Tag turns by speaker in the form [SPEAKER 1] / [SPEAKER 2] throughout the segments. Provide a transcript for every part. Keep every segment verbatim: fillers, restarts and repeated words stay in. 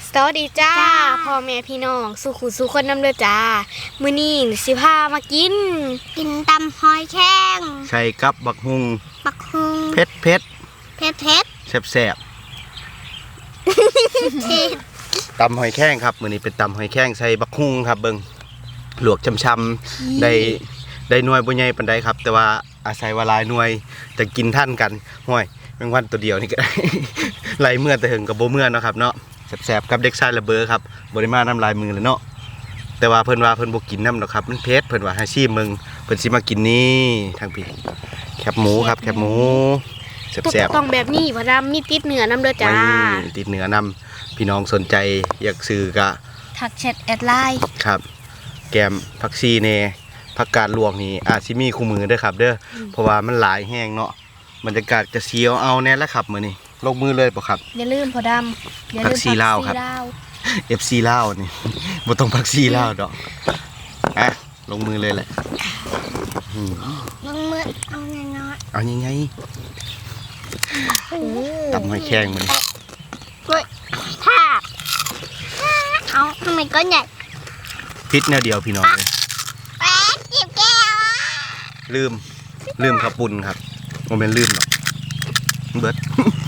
[SPEAKER 1] สวัสดีจ้าพ่อแม่พี่น้องสุขุสุคนน้ำเลือจ้ามื้อนี้สิพามากิน
[SPEAKER 2] กินตำหอยแข้ง
[SPEAKER 3] ใส่กับบักฮุง
[SPEAKER 2] บักฮุง
[SPEAKER 3] เผ็ดเผ็ด
[SPEAKER 2] เผ็ดเผ็ด
[SPEAKER 3] แซ่บแซ่บตำหอยแข้งครับมื้อนี้เป็นตำหอยแข้งใส่บักฮุงครับเบิ่งลวกช้ำๆได้ได้หน่วยบ่ใหญ่ปานใดครับแต่ว่าอาศัยว่าหลายหน่วยจะกินท่านกันห้วยแมงวันตัวเดียวนี่ก็ได้ ไหลเมื่อแต่หึงกับบ่เมื่อเนาะครับเนาะแซ่บๆกับเด็กชายระเบ้อครับบ่ได้มาน้ำลายมือเลยเนาะแต่ว่าเพิ่นว่าเพิ่นบ่กินน้ำดอกครับมันเผ็ดเพิ่นว่าให้ชิมมึงเพิ่นสิมากินนี่ทางพี่แคบหมูครับแคบหมูแซ่บๆ
[SPEAKER 1] ต้องแบบนี้พ่อดำมีติดเนื้อน้ำเลือจ้า
[SPEAKER 3] ติดเนื้อนำพี่น้องสนใจอยากซื้อก็
[SPEAKER 2] ทักแชทแอดไลน์
[SPEAKER 3] ครับแกมผักชีเน่ผักกาดลวกนี่อาจสิมีคู่มือเด้อครับเด้อเพราะว่ามันหลายแห้งเนาะบรรยากาศจะเสียวเอาแน่แล้วครับมื้อนี้ลงมือเลยป่ะครับ
[SPEAKER 2] อย่าลืมพ่อดำ
[SPEAKER 3] อย่าลืมผักชีลาวครับ เอฟ ซี ลาวนี่บ่ต้องผักชีลาวดอกอ่ะลงมือเลยแหละ
[SPEAKER 2] ลงมือเอาน้อย
[SPEAKER 3] ๆเอาใหญ่ๆตำหอยแครงมื้อนี้
[SPEAKER 2] เฮ้ยท่าเอาทำไมก้อนใหญ่
[SPEAKER 3] พิษแนวเดียวพี่น้องเลย
[SPEAKER 2] แป๊ดจิบแก้ว
[SPEAKER 3] ลืมลืมขับปุ่นครับโมเมนต์ลืมหรอกเบิร์ด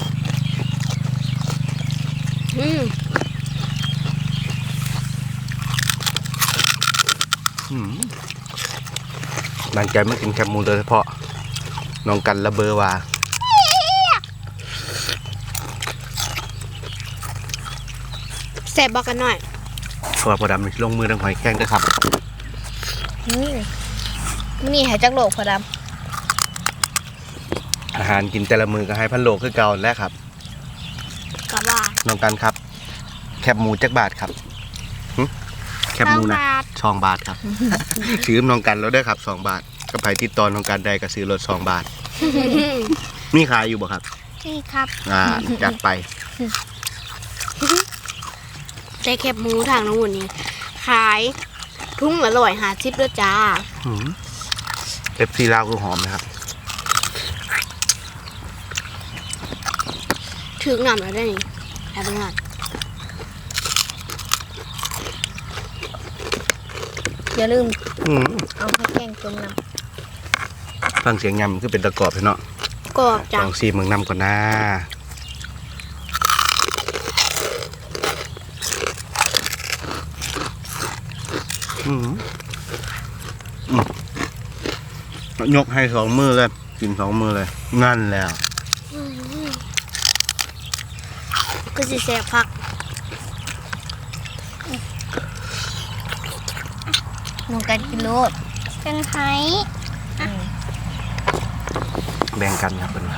[SPEAKER 3] บางใจไม่กินแคบหมูโดยเฉพาะน้องกันระเบอว่า
[SPEAKER 1] แซ่บบอกกันหน่อย
[SPEAKER 3] ขอพอดำลงมือดังหอยแข้งด้วยครับ
[SPEAKER 1] นี่หายจากโลกพอดำ
[SPEAKER 3] อาหารกินแต่ละมือก็ให้พันโลคือเก่าแล้วครับ
[SPEAKER 1] กะว่า
[SPEAKER 3] น้องกันครับแคบหมูจักบาทครับแคบหมูนะสองบาทครับซื้อน้องกันแล้วได้ครับสองบาทก็ไปติดต่อน้องกันได้ก็ซื้อรถสองบาทมีขายอยู่บ่ครับ
[SPEAKER 2] นี่ครับ
[SPEAKER 3] อ่าจัดไป
[SPEAKER 1] ใส่แคบหมูทางน้องหุ่นนี้ขายทุ่งอร่อยหาชิปด้วยจ้า
[SPEAKER 3] เอฟซีลาวคือหอมนะครับ
[SPEAKER 1] ถึงหนำแล้วได้นี่แอบงาน
[SPEAKER 2] อย่าลืมเอาให้แกงจุ่มน้
[SPEAKER 3] ำฟังเสียงยำคือเป็นตะกอบเนาะ
[SPEAKER 1] กรอบจัง
[SPEAKER 3] ลองซีเมืองน้ำก่อนนะอืมยกให้สองมือเลยกินสองมือเลยนั่นแล้ว
[SPEAKER 1] ก็จะแซ่บพัก
[SPEAKER 2] น้องกันกินโลดกันไห้
[SPEAKER 3] แบ่งกันครับเป็น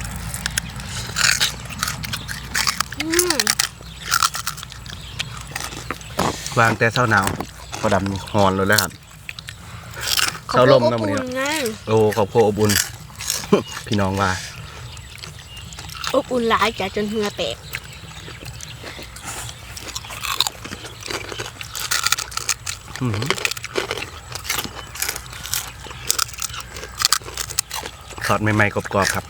[SPEAKER 3] วางแต่เช้าหนาวพอดำนี่หอนเลยแล้วครับเช้าลมนะมันนี่โอ้ขอบคุณอบอุ่นพี่น้องว่า
[SPEAKER 1] อบอุ่นหลายจ้ะจนเหงื่อแตก
[SPEAKER 3] ทอดใหม่ๆกรอบๆครับ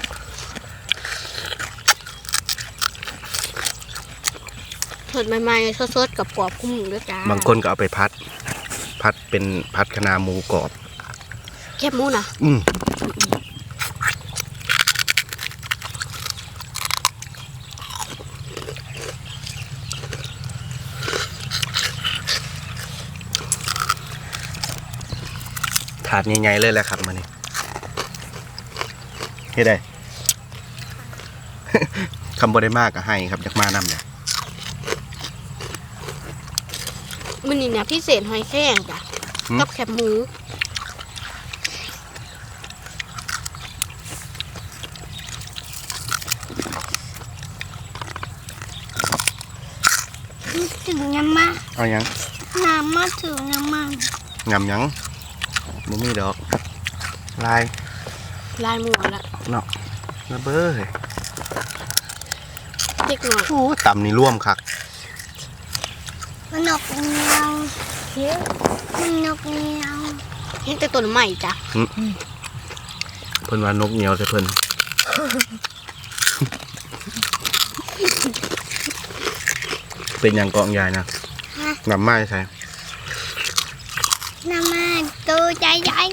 [SPEAKER 1] ทอดใหม่ๆสดๆกับกรอบกุ้งด้วยจ้า
[SPEAKER 3] บางคนก็เอาไปพัดพัดเป็นพัดคะน้าหมูกรอบ
[SPEAKER 1] แคบหมูนะ
[SPEAKER 3] อืมถาดใหญ่ๆเลยแหละครับมานี่เฮ็ดได้ คำบ่ได้มากก็ให้ครับอยากมานำเลย
[SPEAKER 1] มันนี่เนี่ยพิเศษหอยแครงจ้ะกับแคบหมู
[SPEAKER 2] ถึงน้ำมา
[SPEAKER 3] เอายัง
[SPEAKER 2] น้ำมาถึงน้ำมัน
[SPEAKER 3] งำยังบ่มีดอกลาย
[SPEAKER 1] ลายหมูละ
[SPEAKER 3] เนาะระเบ้อเลย
[SPEAKER 1] เด็กหน่อย
[SPEAKER 3] โอ้ตำนี่ร่วมคัก
[SPEAKER 2] มันนกเนียวมันนกเนียว
[SPEAKER 1] เห็นแต่ต้นใหม่จ้ะ
[SPEAKER 3] เพิ่นว่านกเหนียวใช่เพิ่น
[SPEAKER 1] อ
[SPEAKER 3] เป็นอย่างกองใหญ่นะ
[SPEAKER 2] ฮะ
[SPEAKER 3] นำไม้ใส่
[SPEAKER 2] น้ำมันตัวใจใหญ่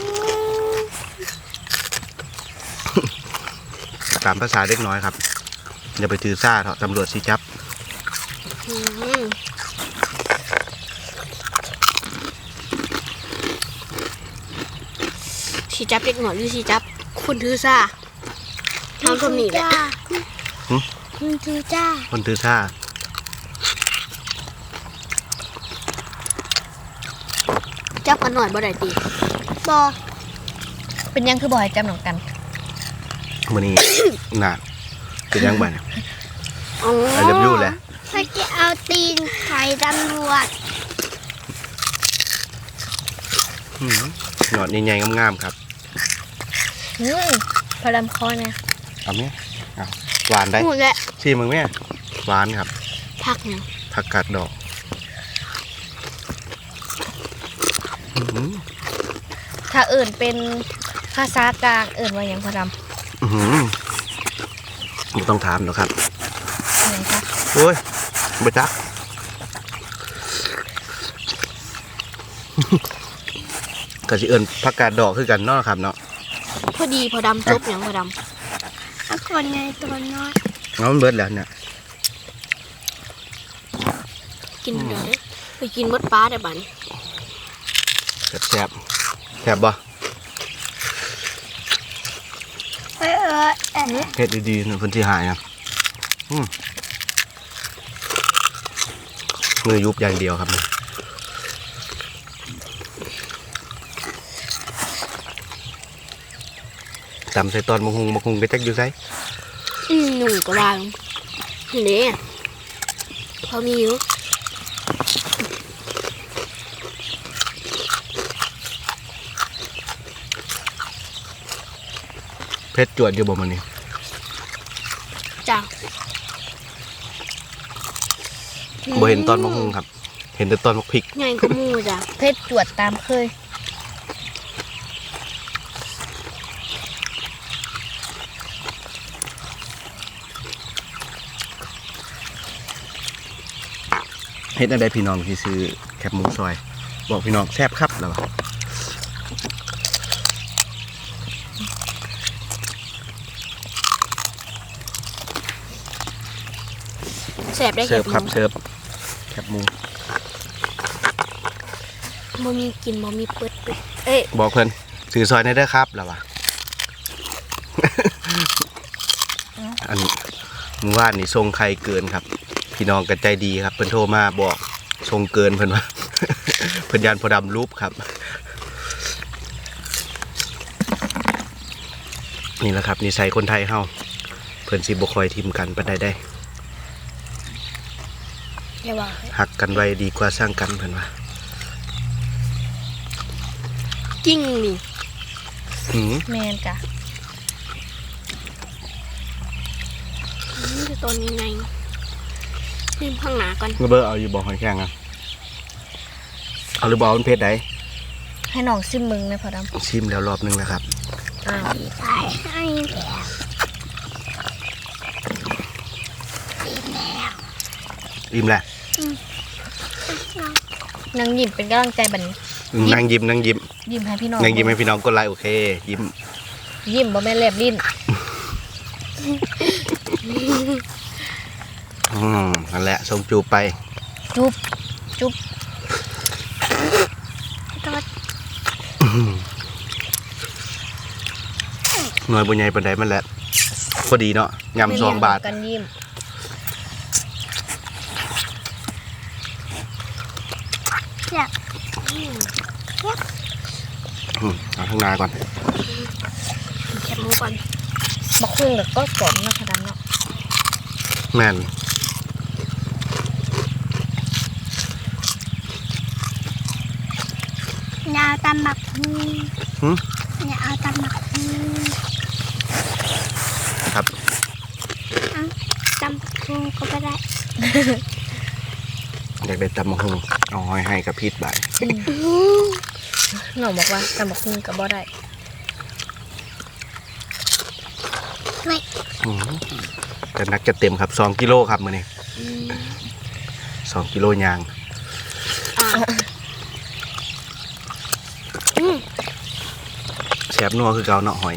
[SPEAKER 3] ตามภาษาเด็กน้อยครับอย่าไปถือซ่าเถอะตำรวจสิจับ
[SPEAKER 1] อืมสีจับเด็กหน่อยหรือสีจับคนถือซ่าทำคนนี้แหละ
[SPEAKER 2] คุณจูจ้า
[SPEAKER 3] คนถือซ่า
[SPEAKER 1] จับกันหน่อยบ่ได้ตี
[SPEAKER 2] บอ
[SPEAKER 4] เป็นยังคือบ่อยจำหนองกัน
[SPEAKER 3] มื้อนี้ น่ะเป็นยังไง
[SPEAKER 1] อ๋อ
[SPEAKER 3] ไอ้เล็บยู่แหละ
[SPEAKER 2] เขาจะเอาตีนไข่ตำรวจ
[SPEAKER 3] อืมหนอดใหญ่ๆงามๆครับ
[SPEAKER 4] อืมพอดำคอเนี่ย
[SPEAKER 3] เอาไหมเอาหวานได้
[SPEAKER 1] พูดแหละ
[SPEAKER 3] ชิมมึงไหมหวานครับ
[SPEAKER 1] พักหนึ่ง
[SPEAKER 3] ผักกาดดอกอื้อหือ
[SPEAKER 4] ถ้าเอิ่นเป็นภาษากลางเอิ่นว่าหยังพอด
[SPEAKER 3] อื้อหือไม่ต้องถามหรอกครับ
[SPEAKER 4] ำอะไรคะ
[SPEAKER 3] โอ้ยไปจัก ก็สิเอิญผักกาดดอกคือกันเนาะครับเนาะ
[SPEAKER 1] พอดีพอดำจบอย่างพอด
[SPEAKER 2] เอาคนในตัวน้อย
[SPEAKER 3] เอามันเบิดแล้วเนี่ย
[SPEAKER 1] ำกินเดี๋ยวได้ไปกินมดปลาได้บัดน
[SPEAKER 3] แซ่บแซ่บแซ่บบ่
[SPEAKER 2] เออเออเออ
[SPEAKER 3] เฮ็ดดีๆหนึ่งคนที่หายอ่ะอืมมือยุบอย่างเดียวครับตำใส่ตอนมะฮุงมะฮุงไปจักอยู่ไส
[SPEAKER 1] อืมหนุ่มกระวางนี่เด้พอมีอยู่
[SPEAKER 3] เพชรจวดอยู่บ่มันนี่
[SPEAKER 1] จ้า
[SPEAKER 3] บ่เห็นตอนมะฮุงครับ เห็นแต่ตอนมะพริก
[SPEAKER 1] ใหญ่ก็มูจ้ะ
[SPEAKER 4] เพชรจวดตามเคย
[SPEAKER 3] เฮ็ดอะไรพี่น้องที่ซื้อแคบหมูซอย บอกพี่น้องแซ่บครับแล้ววะ
[SPEAKER 1] แสบได้
[SPEAKER 3] เสิ
[SPEAKER 1] แค่
[SPEAKER 3] ร์ฟครับเสิร์ฟแคบหมู
[SPEAKER 1] บ่มีกินบ่มีเปิดปิดเอ้ย
[SPEAKER 3] บอกเพิ่นซื้อซอยในเด้อครับแล้ววะ อันเมื่อวานนี่ทรงใครเกินครับ พี่น้องกันใจดีครับเพิ่นโทรมาบอกทรงเกินเพิ่นว่า เพิ่นยานพอดำรูปครับ นี่แหละครับนิสัยคนไทยเฮาเพิ่นสิบ่คอยทิมกันปานใดได้
[SPEAKER 1] อย่าว่า
[SPEAKER 3] หักกันไว้ดีกว่าสร้างกันเพิ่นว่า
[SPEAKER 1] จริงนี่
[SPEAKER 3] หือ
[SPEAKER 4] แมนกะ
[SPEAKER 1] นี่คือตัวนี้ไงนี่ข้างหน้าก่อน
[SPEAKER 3] เบอร์เอาอยู่บ่หอยแข้งอ่ะเอาหรือบ่เอาเป็นเพชรใด
[SPEAKER 4] ให้น้องซิมมึงนะพอด
[SPEAKER 3] ชิมแล้วรอบนึงแล้วครับ
[SPEAKER 4] ำอ้าว
[SPEAKER 2] ใส่ให้แล้ว
[SPEAKER 3] อิ่มแหละ
[SPEAKER 4] นางยิ้มเป็นกำลังใจบัดน
[SPEAKER 3] อืมนั่งยิ้มนั่งยิ้ม
[SPEAKER 4] ยิ้มให้พี่น้อง
[SPEAKER 3] นั่งยิ้มให้พี่น้องกดไลค์โอเค ยิ้ม
[SPEAKER 4] ยิ้มบ่แม่นแลบลิ้น
[SPEAKER 3] อืมนั่นแหละส่งจูบไป
[SPEAKER 4] จุ๊บจุ๊บ
[SPEAKER 2] ตัว
[SPEAKER 3] หน่วยบุญใหญ่ปันใดมันแหละพอดีเนาะยำสองบาท
[SPEAKER 4] กันยิ้ม
[SPEAKER 2] อยาก
[SPEAKER 3] อืมเอาข้างหน้าก่อน
[SPEAKER 1] แคบหมูก่อน
[SPEAKER 4] บักคุ้งกับก็กรอบนะพอดำเนาะ
[SPEAKER 3] แม่น
[SPEAKER 2] อยากเอาตำบักฮู
[SPEAKER 3] หึ
[SPEAKER 2] อยากเอาตำบักฮู
[SPEAKER 3] ครับ
[SPEAKER 2] เอาตำบักฮูก็ไม่ได้
[SPEAKER 3] อยากได้ตำมะฮุงเอาหอยให้กับพีดบาท
[SPEAKER 4] น้องบอกว่าตำบักคุ้งกับบ่ได้
[SPEAKER 2] ไม่
[SPEAKER 3] อืมจะนักจะเต็มครับสองกิโลครับมื้อนี้สองกิโลยาง
[SPEAKER 1] อ่ะอืม
[SPEAKER 3] แซ่บนัวคือเกาเนาะหอย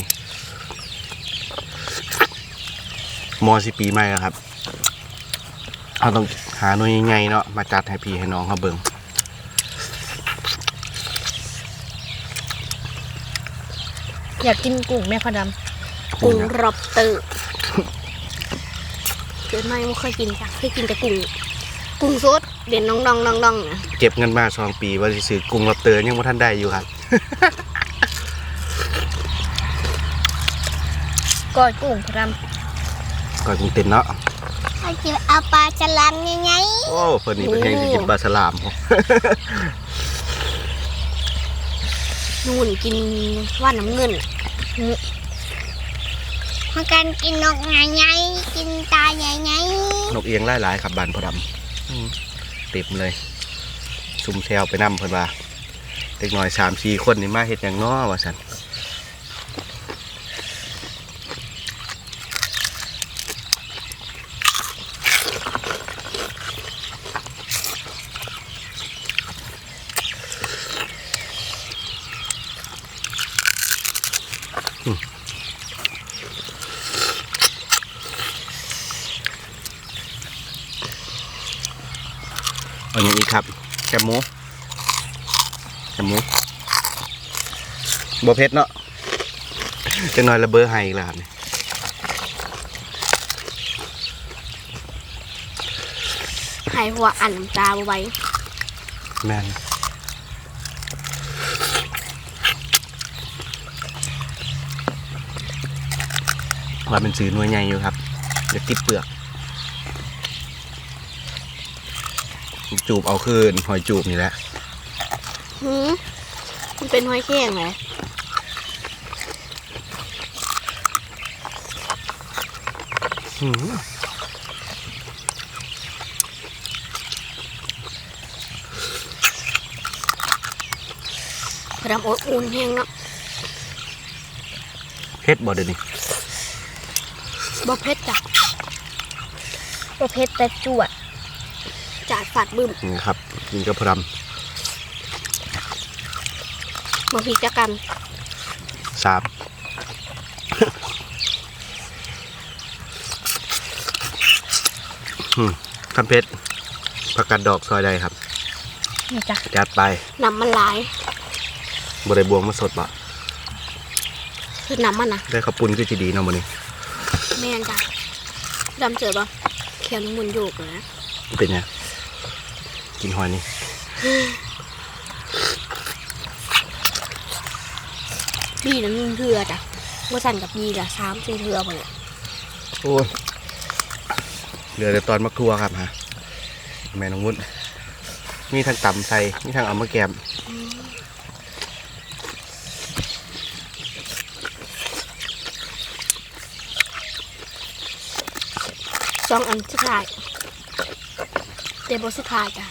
[SPEAKER 3] มอสิปีใหม่แล้วครับเราต้องหาหน่วยใหญ่ๆเนาะมาจัดให้พี่ให้น้องเขาเบิ่ง
[SPEAKER 4] อยากกินกุ้งแม่พอด
[SPEAKER 1] กุ้งรอบเตอร์เกิดมาไม่เคยกินจ้ะเคยกินแต่กุ้งกุ้งสดเด่นน้องๆน้องๆนะ
[SPEAKER 3] เก็บเงินมาสองปีว่าสิซื้อกุ้งรับเตอร์ยังบ่ทันได้อยู่ครับ
[SPEAKER 4] ำก้อยกุ้งพอด
[SPEAKER 3] ก่อนกุ้งเต็นเนาะ
[SPEAKER 2] เอาจะเอาปลาฉลามยังไง
[SPEAKER 3] โอ้เพิ่นนี่เป็นแห่งสิกินปลาฉลามพอ
[SPEAKER 1] นู่นกินว่านน้ำเงินน่ะ
[SPEAKER 2] มากันกินนกไงไงกินตาใหญ่ไง
[SPEAKER 3] นกเอียงหลายๆครับบานพอดำอืมเต็มเลยซุ่มแซวไปนำเพิ่นว่าเด็กน้อย สามสี่ คนนี่มาเฮ็ดหยังน้อว่าซั่นเอาอย่างนี้ครับแคบหมูแคบหมูบ่เผ็ดเนาะจังน้อยระเบ้อให้อีกแล้วครับนี่
[SPEAKER 1] หายหัวอันน้ำตาบ่ไหว้
[SPEAKER 3] แม่นว่าเป็นซื้อหน่วยใหญ่อยู่ครับเดี๋ยวติดเปลือกจูบเอาคืนหอยจูบนี่แหละ
[SPEAKER 1] หืมมันเป็นหอยแครงไหมพอดำอดอุ่นแห้งเนาะ
[SPEAKER 3] เผ็ดบ่เดี๋ยวนี้
[SPEAKER 1] บ่เผ็ดจ้ะ
[SPEAKER 4] ำประเภทแต่จวด
[SPEAKER 1] จาดฝาดบึ้ม
[SPEAKER 3] นี่ครับกินกับพร
[SPEAKER 1] บ่พริกจักกัน
[SPEAKER 3] ำสาม อืมคำเพชรผักกาดดอกซอยใดครับ
[SPEAKER 4] นี่จ้ะ
[SPEAKER 3] จัดไป
[SPEAKER 1] น้ำมันหลาย
[SPEAKER 3] บริบวงมาสดบ่
[SPEAKER 1] คือน้ำมันนะ
[SPEAKER 3] ได้ข้าวปุ้นคือจีดีเนาะมื้อนี้
[SPEAKER 1] แม่นจ้ะดำเจอปะเขียวมุนโยกเลยนะ
[SPEAKER 3] เป็นไงกินหอยนี่
[SPEAKER 1] บีน้ำนึ่งเถื่อจ้ะเมื่อสั่นกับบีละสามสี่เถื่อหมดเลย
[SPEAKER 3] โอ้ยเหลือแต่ตอนมะครัวครับฮะแม่น้องวุ้นมีทั้งตำใส่มีทั้งเอามาแกม
[SPEAKER 1] สองอันสุดท้ายเดบสุดท้ายจ้ะ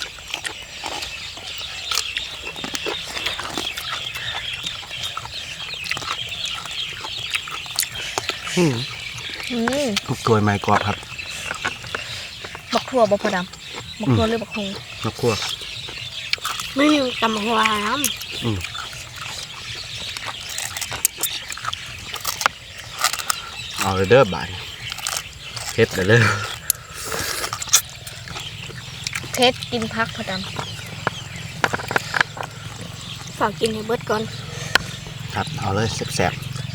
[SPEAKER 3] อืม
[SPEAKER 4] อืม
[SPEAKER 3] กล้วยไม้กรอบครับ
[SPEAKER 4] บักทั่วบ่พอดำบักทั่วหรือบักฮง
[SPEAKER 3] มะครัว
[SPEAKER 1] ไม่มีตำหัวน้
[SPEAKER 3] อืมเอาเลยเด้อบ่ายเฮ็ดเลยเด้อ
[SPEAKER 4] เพชรกินพักพอด
[SPEAKER 1] ำฝากกินให้เบิดก่อน
[SPEAKER 3] ครับเอาเลยแซ่บ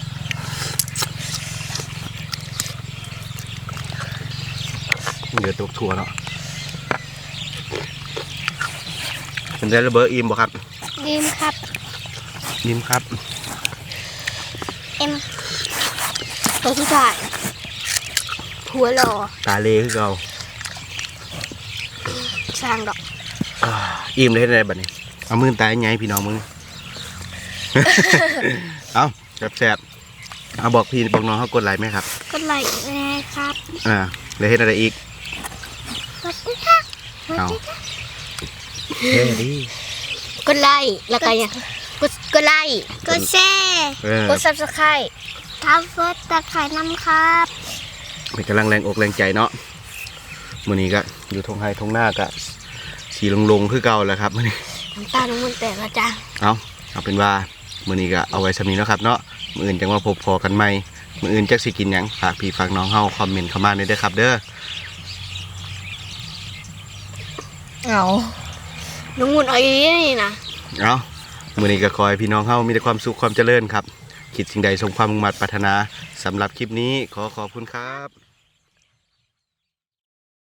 [SPEAKER 3] ๆเดี๋ยวตกถั่วเนาะเป็นได้ระเบิดอิ่มบ่ครับ
[SPEAKER 2] ดีมครับ
[SPEAKER 3] อิ่มครับ
[SPEAKER 2] เอ็ม
[SPEAKER 1] ตัวสุดท้ายหัวหล่อ
[SPEAKER 3] ตาเลคือเก่า
[SPEAKER 1] สร้างดอก
[SPEAKER 3] อ่าอิ่มเลยได้บัดนี้เอามือตายไงพี่น้องมึง เอาแซ่บๆเอาบอกพี่บอกน้องเขากดไลค์ไหมครับ
[SPEAKER 2] ก็ไลค์นะครับ
[SPEAKER 3] อ่าเลยเฮ็ดอะไรอีก
[SPEAKER 2] สวัสดีค่ะ
[SPEAKER 3] เอาเฮ้ดี
[SPEAKER 1] ก็ไล่แล้วก็ยังก็ก็ไล่
[SPEAKER 2] กดแชร์
[SPEAKER 3] เออ
[SPEAKER 4] ำกดซับสไครต์
[SPEAKER 2] ทับเฟิร์สตะไคร่น้ำครับ
[SPEAKER 3] เป็นกำลังแรงอกแรงใจเนาะมื้อนี้ก็อยู่ทงไฮทงหน้าก็สีลงๆคือเก่าแล้วครับมื้อนี้
[SPEAKER 1] น้ำตาลน้ำมันแตกแล้วจ้า
[SPEAKER 3] เอาเอาเป็นว่ามื้อนี้ก็เอาไว้สำนี้เนาะครับเนาะมื้ออื่นจังว่าพบพอกันใหม่มื้ออื่นจักสิกินหยังฝากพี่ฝากน้องเฮาคอมเมนต์เข้ามาได้เด้อครับเด้อ
[SPEAKER 4] เอา
[SPEAKER 1] น้องมุนเอาอีนี่นะ
[SPEAKER 3] เอามื้อนี้ก็ขอให้พี่น้องเฮามีแต่ความสุขความเจริญครับคิดสิ่งใดสมความมุ่งมั่นปรารถนาสำหรับคลิปนี้ขอขอบคุณครับ